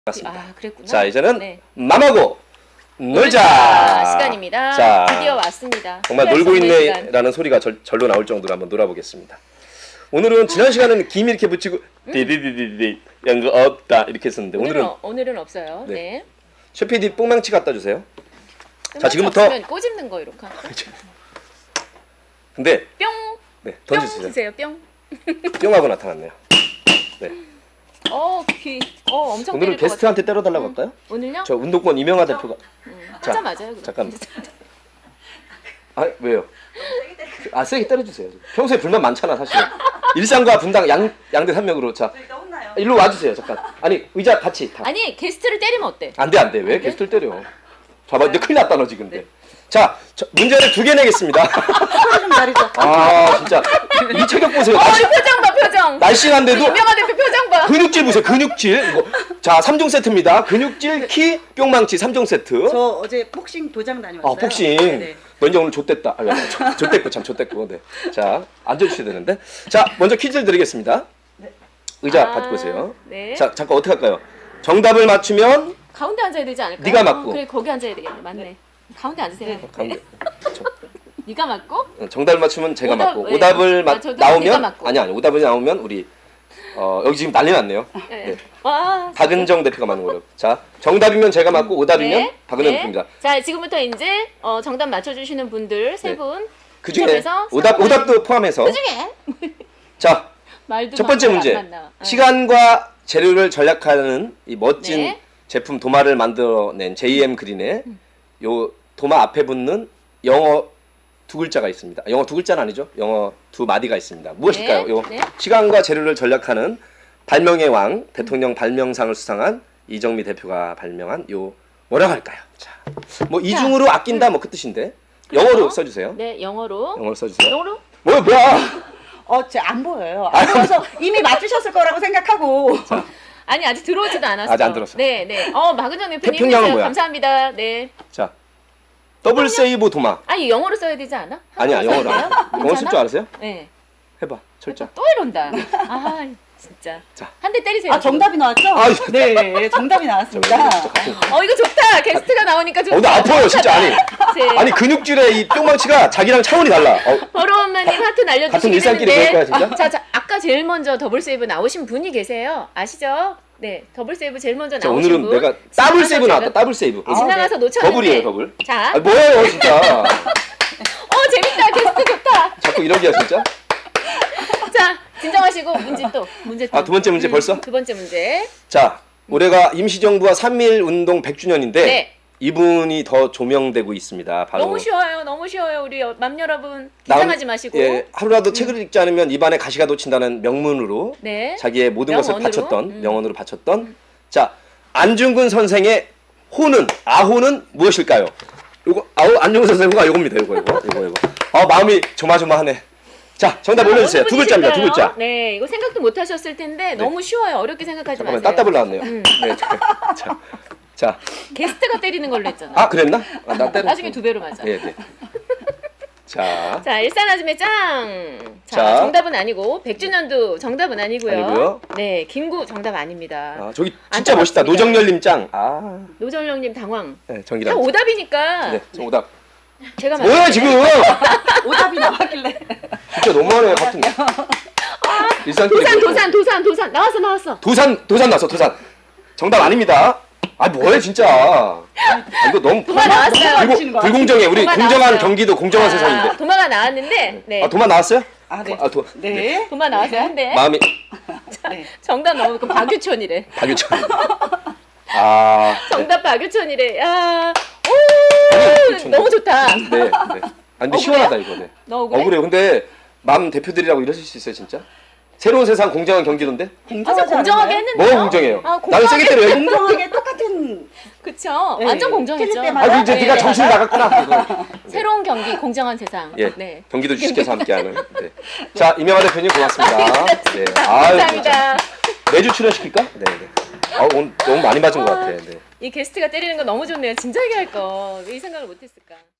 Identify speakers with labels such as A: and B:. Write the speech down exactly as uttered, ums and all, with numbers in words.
A: 맞습니다.
B: 아, 그랬구나.
A: 자, 이제는
B: 네.
A: 맘하고 놀자
B: 놀자 시간입니다.
A: 자,
B: 드디어 왔습니다.
A: 정말 놀고 있네라는 소리가 절, 절로 나올 정도로 한번 놀아보겠습니다. 오늘은 지난 시간에는 김 이렇게 붙이고 디디디디디 연거 없다 이렇게 했었는데
B: 오늘은
A: 오늘은
B: 오늘은 없어요.
A: 네.
B: 네.
A: 셰피디 뽕망치 갖다 주세요. 자, 지금부터
B: 없으면 꼬집는 거 이렇게.
A: 근데
B: 뿅.
A: 네,
B: 뿅
A: 던져주세요.
B: 주세요. 뿅.
A: 뿅하고 나타났네요. 네.
B: 어, 귀. 어, 엄청
A: 오늘은
B: 때릴 것
A: 게스트한테 때려달라고 할까요?
B: 오늘요?
A: 저 운동권 이명하 대표가
B: 음,
A: 자,
B: 하자 맞아요. 그럼.
A: 잠깐만. 아 왜요? 아 세게 때려주세요. 평소에 불만 많잖아 사실. 일상과 분당 양 양대 산맥으로 자 일로 와주세요 잠깐. 아니 의자 같이 다.
B: 아니 게스트를 때리면 어때?
A: 안돼 안돼 왜
B: 안 돼?
A: 게스트를 때려? 봐봐 이제 큰일 났다 너 지금. 네. 자 저, 문제를 두 개 내겠습니다.
C: 좀 가리죠.
A: 아 진짜 이 체격 보세요.
B: 어,
A: 날씨,
B: 이 표정 봐 표정.
A: 날씬한데도
B: 유명한 대표 표정 봐.
A: 근육질 보세요 근육질. 이거. 자 삼 종 세트입니다. 근육질 키 뿅망치 삼 종 세트.
C: 저 어제 복싱 도장 다녀왔어요.
A: 아 복싱.
C: 네네.
A: 너 이제 오늘 좆됐다. 아, 좆됐고 참 좆됐고. 네. 자 앉아주셔야 되는데. 자 먼저 퀴즈를 드리겠습니다. 의자
B: 아,
A: 가지고 오세요.
B: 네.
A: 자 잠깐 어떻게 할까요? 정답을 맞추면
B: 가운데 앉아야 되지 않을까요?
A: 네가 맞고.
B: 어, 그래 거기 앉아야 되겠네. 맞네. 가운데 앉으세요.
A: 가운데. 저,
B: 네가 맞고?
A: 어, 정답을 맞추면 제가
B: 오답,
A: 맞고
B: 네.
A: 오답을
B: 아,
A: 맞
B: 저도 네가
A: 나오면
B: 맞고.
A: 아니 아니 오답이 나오면 우리 어 여기 지금 난리 났네요.
B: 네.
A: 네.
B: 와.
A: 박은정 대표가 맞는 거로. 자 정답이면 제가 맞고 오답이면
B: 네.
A: 박은정
B: 네.
A: 대표입니다.
B: 자 지금부터 이제 어, 정답 맞춰주시는 분들 세
A: 네.
B: 분.
A: 그 중에
B: 추첨해서
A: 오답
B: 선물-
A: 오답도 포함해서.
B: 그 중에
A: 자
B: 말도
A: 첫 번째
B: 막
A: 문제.
B: 안 나와. 어.
A: 시간과 재료를 절약하는 이 멋진
B: 네.
A: 제품 도마를 만들어낸 제이엠 그린의
B: 음.
A: 요 도마 앞에 붙는 영어 두 글자가 있습니다. 영어 두 글자는 아니죠. 영어 두 마디가 있습니다. 무엇일까요?
B: 네.
A: 요
B: 네.
A: 시간과 재료를 절약하는 발명의 왕 대통령 발명상을 수상한 이정미 대표가 발명한 요 뭐라고 할까요? 자, 뭐 이중으로 아낀다 뭐 그 뜻인데 영어로
B: 그래서?
A: 써주세요.
B: 네 영어로.
A: 영어로 써주세요.
B: 영어로?
A: 뭐야 뭐야?
C: 어, 제 안 보여요. 안 보여서 이미 맞추셨을 거라고 생각하고.
B: 아니 아직 들어오지도 않았어.
A: 아직 안 들었어.
B: 네, 네. 어 박은정 대표님
A: 태평양은
B: 해주세요.
A: 뭐야?
B: 감사합니다. 네.
A: 자 더블 세이브 도마.
B: 아니 영어로 써야 되지 않아?
A: 아니야
B: 한국어로
A: 영어로.
B: 써야 돼요?
A: 영어 쓸 줄
B: 괜찮아?
A: 알았어요?
B: 네.
A: 해봐 철자.
B: 또 이런다. 아 진짜.
A: 자.
B: 한 대 때리세요.
C: 아, 정답이 나왔죠?
A: 아,
C: 네, 정답이 나왔습니다.
B: 어 이거 좋다. 게스트가 나오니까 좋다.
A: 어, 나 아파요 진짜 아니.
B: 네.
A: 아니 근육질의 이 뿅망치가 자기랑 차원이 달라. 어,
B: 버러운마님 하트 날려주시긴
A: 같은 일상끼리
B: 했는데
A: 그럴 거야, 진짜?
B: 자, 자, 아까 제일 먼저 더블 세이브 나오신 분이 계세요. 아시죠? 네, 더블 세이브 제일 먼저
A: 자,
B: 나오신
A: 오늘은
B: 분.
A: 내가 더블
B: 지나가서
A: 세이브
B: 제가-
A: 나왔다. 더블 세이브.
C: 아,
B: 지나가서
C: 네.
B: 놓쳤는데.
A: 더블이에요 더블.
B: 자,
A: 아 뭐예요 진짜.
B: 어 재밌다. 게스트 좋다.
A: 자꾸 이러기야 진짜.
B: 자, 진정하시고 문제 또 문제 또.
A: 아, 두 번째 문제 벌써?
B: 두 번째 문제.
A: 자 올해가 임시정부와 삼일 운동 백 주년인데
B: 네.
A: 이분이 더 조명되고 있습니다. 바로
B: 너무 쉬워요. 너무 쉬워요. 우리 여- 맘 여러분 긴장하지 마시고.
A: 예, 하루라도 책을 읽지 않으면 입안에 가시가 돋친다는 명문으로
B: 네.
A: 자기의 모든 것을
B: 명언으로?
A: 바쳤던
B: 음.
A: 명언으로 바쳤던 자 안중근 선생의 호는 아호는 무엇일까요? 요거 아호 안중근 선생과 요겁니다. 요거 요거 요거 요거. 아 마음이 조마조마하네. 자 정답 올려주세요.
B: 어느
A: 두 글자입니다. 두
B: 분이실까요?
A: 글자.
B: 네, 이거 생각도 못 하셨을 텐데 너무 쉬워요. 어렵게 생각하지
A: 잠깐만
B: 마세요.
A: 따따블 나왔네요.
B: 음.
A: 네, 자, 자, 자,
B: 게스트가 때리는 걸로 했잖아.
A: 아 그랬나? 아, 나 때려.
B: 나중에 두 배로 맞아.
A: 네, 네. 자,
B: 자, 일산아줌의 짱. 자,
A: 자.
B: 정답은 아니고 백 주년도 정답은 아니고요.
A: 아니고요.
B: 네, 김구 정답 아닙니다.
A: 아, 저기 진짜
B: 안타깝습니다.
A: 멋있다. 노정열님 짱. 아,
B: 노정령님 당황.
A: 네,
B: 다
A: 정기라.
B: 오답이니까
A: 네, 정답.
B: 제가
A: 뭐야
B: 맞췄네.
A: 지금?
C: 오답이 나왔길래.
A: 진짜 너무하네 같은. 일상끼리
B: 도산,
A: 그렇고.
B: 도산, 도산, 도산 나왔어, 나왔어.
A: 도산, 도산 나왔어, 도산. 정답 아닙니다. 아 뭐해 진짜. 아, 이거 너무
B: 도마 나왔어요.
A: 불공, 불공정해. 우리
B: 도마
A: 공정한
B: 나왔어요.
A: 경기도 공정한
B: 아,
A: 세상인데.
B: 도마가 나왔는데, 네.
A: 아 도마 나왔어요?
C: 아, 네.
A: 아 도.
C: 네.
B: 도마 나왔어요, 한 대.
A: 마음이
C: 네.
B: 정답 너무 그 박유천이래.
A: 박유천. 아. 네.
B: 정답 박유천이래. 야,
A: 박유천.
B: 오, 너무 좋다.
A: 네, 네. 아 근데
B: 억울해요?
A: 시원하다 이거. 네.
B: 너 억울해?
A: 억울해요. 근데 맘 대표들이라고 이러실 수 있어요 진짜? 새로운 세상 공정한 경기도인데?
B: 맞아,
C: 공정하지
B: 공정하게
C: 않나요?
B: 했는데요.
A: 뭐가 공정해요?
B: 아,
A: 나는 세게 때려요.
C: 공정하게 똑같은.
B: 그쵸.
C: 네,
B: 완전 공정했죠.
C: 틀릴 때마다.
A: 아 이제
B: 네,
A: 네가
B: 네.
A: 정신이 나갔구나. 이거.
B: 새로운 경기, 공정한 세상.
A: 예,
B: 네.
A: 경기도 주식회사 함께하는. 네. 자 이명하 대표님 고맙습니다. 네. 아유,
B: 감사합니다.
A: 매주 출연시킬까? 네, 네. 아 오늘 너무 많이 맞은 것 같아. 네.
B: 이 게스트가 때리는 거 너무 좋네요. 진작에 할 거. 왜 이 생각을 못했을까.